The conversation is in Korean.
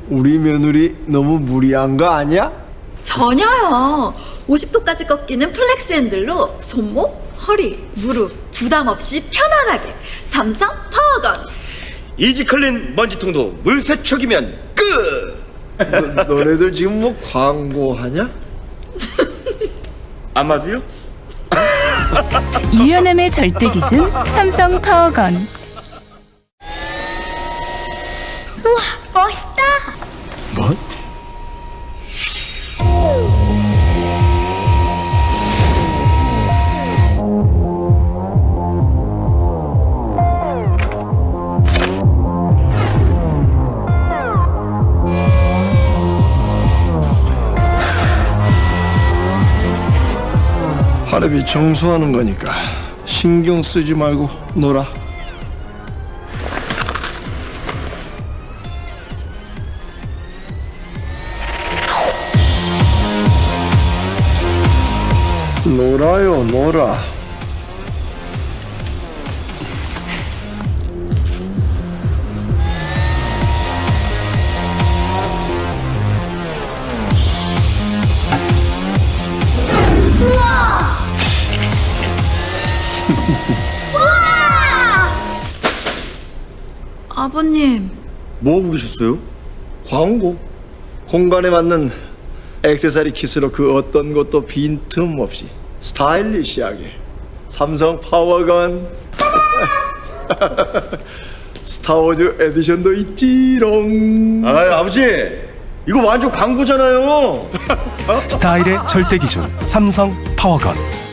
우리 며느리 너무 무리한 거 아니야? 전혀요. 50도까지 꺾이는 플렉스 핸들로 손목, 허리, 무릎 부담 없이 편안하게 삼성 파워건. 이지클린 먼지통도 물세척이면 끝! 너네들 지금 뭐 광고하냐? 아마도요? 유연함의 절대 기준 삼성 파워건. 우와, 멋있다. 뭐? 하루비 청소하는 거니까 신경 쓰지 말고 놀아. 놀아요, 놀아. 아버님, 뭐 하고 계셨어요? 광고. 공간에 맞는 액세서리 킷으로 그 어떤 것도 빈틈없이 스타일리시하게 삼성 파워건. 스타워즈 에디션도 있지롱. 아, 아버지! 이거 완전 광고잖아요! 스타일의 절대 기준 삼성 파워건.